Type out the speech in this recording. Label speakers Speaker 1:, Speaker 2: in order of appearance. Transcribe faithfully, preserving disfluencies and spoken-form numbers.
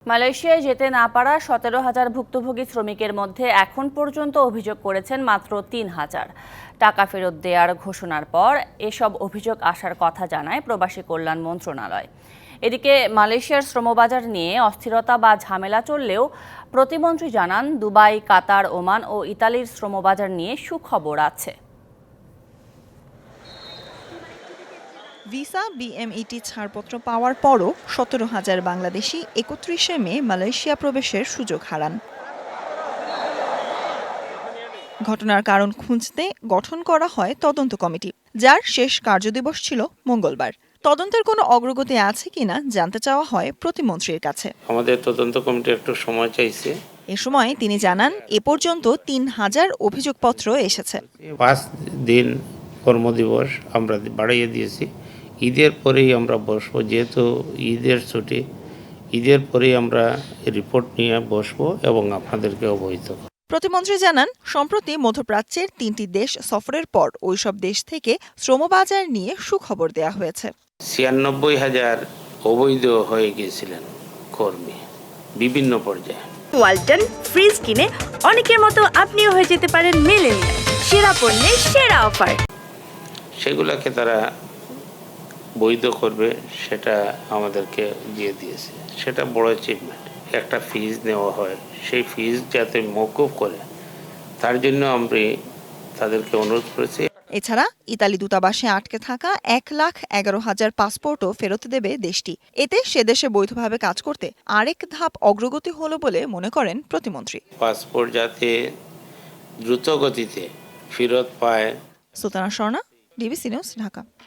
Speaker 1: মালয়েশিয়ায় যেতে না পারা সতেরো হাজার ভুক্তভোগী শ্রমিকের মধ্যে এখন পর্যন্ত অভিযোগ করেছেন মাত্র তিন হাজার। টাকা ফেরত দেওয়ার ঘোষণার পর এসব অভিযোগ আসার কথা জানায় প্রবাসী কল্যাণ মন্ত্রণালয়। এদিকে মালয়েশিয়ার শ্রমবাজার নিয়ে অস্থিরতা বা ঝামেলা চললেও প্রতিমন্ত্রী জানান, দুবাই, কাতার, ওমান ও ইতালির শ্রমবাজার নিয়ে সুখবর আছে।
Speaker 2: ভিসা বিএমইটি ছাড়পত্র পাওয়ার পরও সতেরো হাজার বাংলাদেশি একত্রিশে মে মালয়েশিয়া প্রবেশের সুযোগ হারান। ঘটনার কারণ খুঁজতে গঠন করা হয় তদন্ত কমিটি, যার শেষ কার্যদিবস ছিল মঙ্গলবার। তদন্তের কোনো অগ্রগতি আছে কিনা জানতে চাওয়া হয় প্রতিমন্ত্রীর কাছে।
Speaker 3: আমাদের তদন্ত কমিটি একটু সময় চাইছে।
Speaker 2: এ সময় তিনি জানান, এ পর্যন্ত তিন হাজার অভিযোগপত্র এসেছে।
Speaker 3: পাঁচ দিন কর্মদিবস আমরা বাড়িয়ে দিয়েছি। ঈদের পরেই আমরা বসবো, যেহেতু ঈদের ছুটি, ঈদের পরেই আমরা রিপোর্ট নিয়ে বসবো এবং আপনাদেরকে অবহিত করব।
Speaker 2: প্রতিমন্ত্রী জানান, সম্প্রতি মধ্যপ্রাচ্যের তিনটি দেশ সফরের পর ওইসব দেশ থেকে শ্রমবাজার নিয়ে সুখবর দেয়া হয়েছে।
Speaker 3: ছিয়ানব্বই হাজার অবৈধ হয়ে গিয়েছিলেন কর্মী বিভিন্ন পর্যায়ে।
Speaker 4: ওয়ালটন ফ্রিজ কিনে অনেকের মতো আপনিও হয়ে যেতে পারেন মিলেনিয়াল। সেরা পণ্যের সেরা অফার,
Speaker 3: সেগুলোকে তারা বৈধ করবে, সেটা আমাদেরকে দিয়ে দিয়েছে। সেটা বড় অ্যাচিভমেন্ট। একটা ফিজ নেওয়া হয়, সেই ফিজ যাতে মওকুফ করে, তার জন্য আমি তাদেরকে অনুরোধ করেছি।
Speaker 2: এছাড়া ইতালি দূতাবাসে আটকে থাকা এক লাখ এগারো হাজার পাসপোর্টও ফেরত দেবে দেশটি। এতে সে দেশে বৈধভাবে কাজ করতে আরেক ধাপ অগ্রগতি হলো বলে মনে করেন প্রতিমন্ত্রী।
Speaker 3: পাসপোর্ট যাতে দ্রুত গতিতে ফেরত পায়।
Speaker 2: Sultana Swarna, DBC news, Dhaka.